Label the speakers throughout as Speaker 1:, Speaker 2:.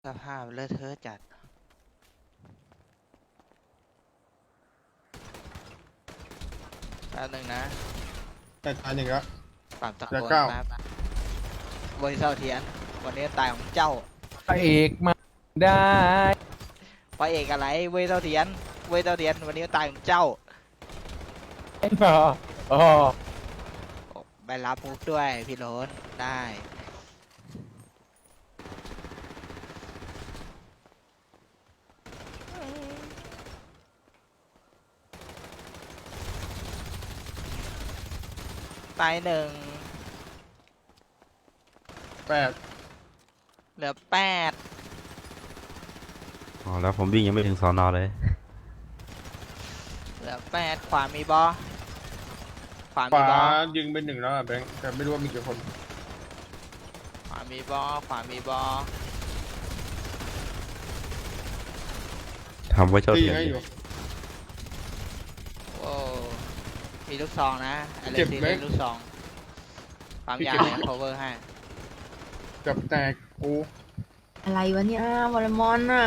Speaker 1: สภาพเลอะเทอะจัดแป๊บนึงนะ
Speaker 2: แต่ตายหนึ่งแล้ว
Speaker 1: ปรับตะโกน
Speaker 2: แล้วเก้า
Speaker 1: แป๊บเวยเซาเทียนวันนี้ตายของเจ้า
Speaker 3: พระเอกมาได้
Speaker 1: พระเอกอะไรเวยเซาเทียนวันนี้ตายของเจ้า
Speaker 3: อ๋อ
Speaker 1: ไปรับมุกด้วยพี่โรสได้ตายหนึ่ง
Speaker 2: 8
Speaker 1: เหลือ8
Speaker 4: อ๋อแล้วผมวิ่งยังไม่ถึงสอนอเลย
Speaker 1: เหลือ8ขวามีบอขวา
Speaker 2: ข
Speaker 1: มี
Speaker 2: วา
Speaker 1: บอ
Speaker 2: ยิงเป็น1แล้วอ่ะแบงค์แต่ไม่รู้ว่ามีกี่คน
Speaker 1: ขวามีบอขวามีบอ
Speaker 4: ทำไว้เจ้า
Speaker 2: ตี
Speaker 4: เถียน
Speaker 2: ให้
Speaker 4: ดิ
Speaker 2: อยู่
Speaker 1: โอ้มีลูกซองนะอะไร
Speaker 2: เจ็บ
Speaker 1: ซี
Speaker 2: ไหม
Speaker 1: เล่นลูกซองปั๊มยาให้ cover ให้
Speaker 2: เกับแตกกู
Speaker 5: อะไรวะเนี่ยวอลเลย์บอลน่ะ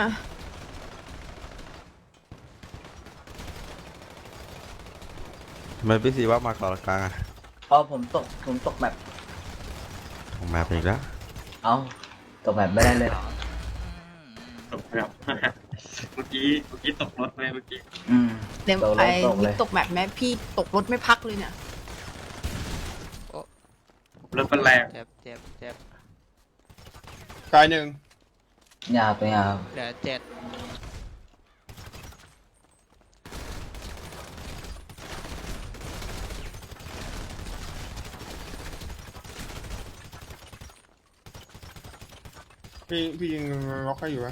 Speaker 4: ทำไมพี่ซีว่ามาก่อนกลางอะ
Speaker 6: อ๋อผมตกแบบ
Speaker 4: ของมาเป็นอีกแล้ว
Speaker 6: เอ้าตกแบบไม่ได้เลย
Speaker 7: ตกแบบ เมื่อกี้ตกรถไปเมื่อกี้
Speaker 6: อืม
Speaker 5: เดี๋ยว
Speaker 6: ตกเล
Speaker 5: ไอ้
Speaker 6: ยตกเล
Speaker 5: มิก
Speaker 6: ย
Speaker 5: ตกแบบแม่พี่ตกรถไม่พักเลยเนี่ย
Speaker 7: รถเป็นแรง
Speaker 1: เจ็บ
Speaker 2: ตายหนึ่ง
Speaker 6: ยาวตัวยาว
Speaker 1: เหลือ7
Speaker 2: พี่ยิงล็อกให้อยู่วะ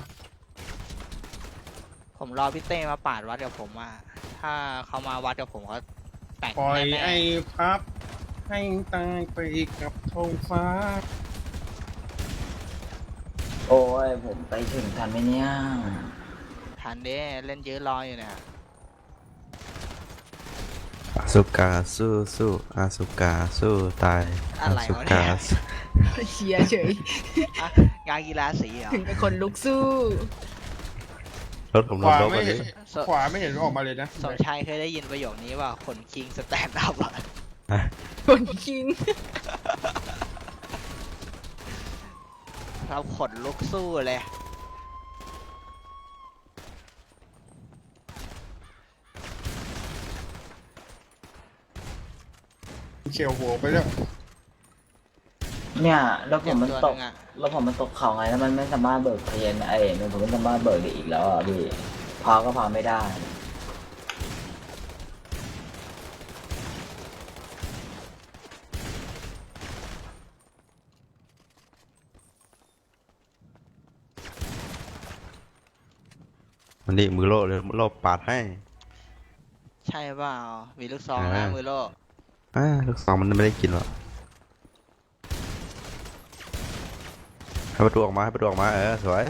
Speaker 1: ผมรอพี่เต้มาปาดวัดกับผมว่าถ้าเขามาวัดกับผมเขาแต่ง
Speaker 2: ปล่อย
Speaker 1: แน่
Speaker 2: ไอ้พับให้ตายไปกับท้องฟ้า
Speaker 6: โอ้ยผมไปถึงทันไหมเนี่ย
Speaker 1: ๆทันเด้เล่นยื้อรออยู่เนี่ย
Speaker 4: อาสุกาสู้สู้อาสุกาสู้ตาย
Speaker 1: อะไร
Speaker 4: สุ
Speaker 1: วะ
Speaker 4: กา
Speaker 1: เนี่ย
Speaker 5: เชียร์เฉย
Speaker 1: อ่ะงานกีฬาสีเหรอ
Speaker 5: ถึงกับคนลุกสู้
Speaker 4: รถผม
Speaker 2: ข
Speaker 4: ลง
Speaker 2: วาร
Speaker 4: ถ
Speaker 2: ไม่
Speaker 4: วัน
Speaker 2: เห็
Speaker 4: นี้
Speaker 2: นขวาไม่เห็นออกมาเลยนะ
Speaker 1: สมชายเคยได้ยินประโยคนี้ว่าขนคิงสแตนด์อัพอะ
Speaker 5: คนคิง
Speaker 1: เราขนลุกสู้เลย
Speaker 2: เฉียวหัวไปแล้ว
Speaker 6: เนี่ยแล้วผมมัน
Speaker 1: เจ็บ
Speaker 6: ต
Speaker 1: ตัว
Speaker 6: ก
Speaker 1: หนึ่งอะ
Speaker 6: แล้วผมมันตกเขาไงแล้วมันไม่สามารถเบิกเพลนผมไม่สามารถเบิกได้อีกแล้วอ่ะพี่พาก็พาไม่ได้
Speaker 4: มันนี่มือโลเลยโลปาดให้
Speaker 1: ใช่เปล่ามีลูกซองนะมือโล
Speaker 4: ลูกสองมันไม่ได้กินหรอกให้ประตูออกมาให้ประตูออกมาสวย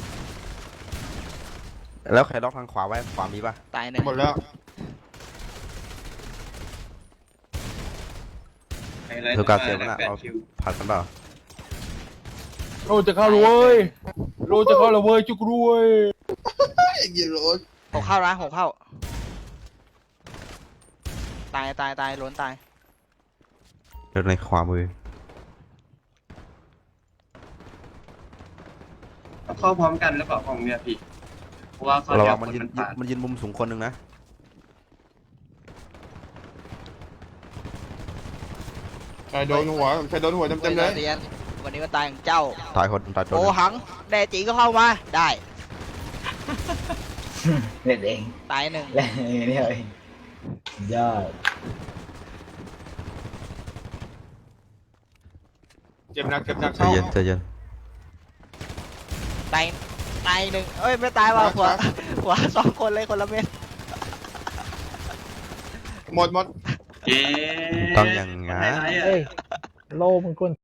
Speaker 4: แล้วใครล็อกทางขวาไว้ขวามีป่ะ
Speaker 1: ตายหนึ่ง
Speaker 2: หมดแล้ว
Speaker 7: ไฮไลท์
Speaker 4: สุกาเสียมันอะ
Speaker 7: แปด
Speaker 4: เอา
Speaker 7: คิว
Speaker 4: ผัดกันเปล่า
Speaker 3: โลจะเข้าแล้วเว้ยโลจะเข้าแล้วเว้ยจุกรวย
Speaker 2: ไอ้ยิงรถ
Speaker 1: ผมเข้านะผมเข้าตายล้นตาย
Speaker 4: เดินในขวามือ
Speaker 7: เข้าพร้อมกันแล้วเปล่าของเนี่ยพี่เพราะว่าเขา
Speaker 4: ระ
Speaker 7: เดี
Speaker 4: วั
Speaker 7: ยว
Speaker 4: ง
Speaker 7: ค
Speaker 4: มัน
Speaker 7: น
Speaker 4: ยืน
Speaker 7: มันปาด
Speaker 4: มันยืนมุมสูงคนหนึ่งนะ
Speaker 2: ใครโดนหัวใครโดนหัวเต็มๆเลย
Speaker 1: เรียนวันนี้ก็ตายของเจ้า
Speaker 4: ตายคนตายตัวห
Speaker 1: โอ
Speaker 4: นึ่ง
Speaker 1: หังแด่จีก็เข้ามาได้
Speaker 6: เล่นเอง
Speaker 1: ตายหนึ่ง
Speaker 6: เล่นเองเนี่ยเองยอด
Speaker 2: เจ็บหนัก
Speaker 4: ใจ
Speaker 2: เจ็บหนักเข้า
Speaker 4: เย็นใจเย็น
Speaker 1: ตายหนึ่งเอ้ยไม่ตายว่ะหัว2 คนเลยคนละเม็ด
Speaker 2: หมด
Speaker 7: เย้
Speaker 4: ต้องอย่างงั้น
Speaker 7: ไฮไลท์อะ
Speaker 3: เฮ้ยโลมันคน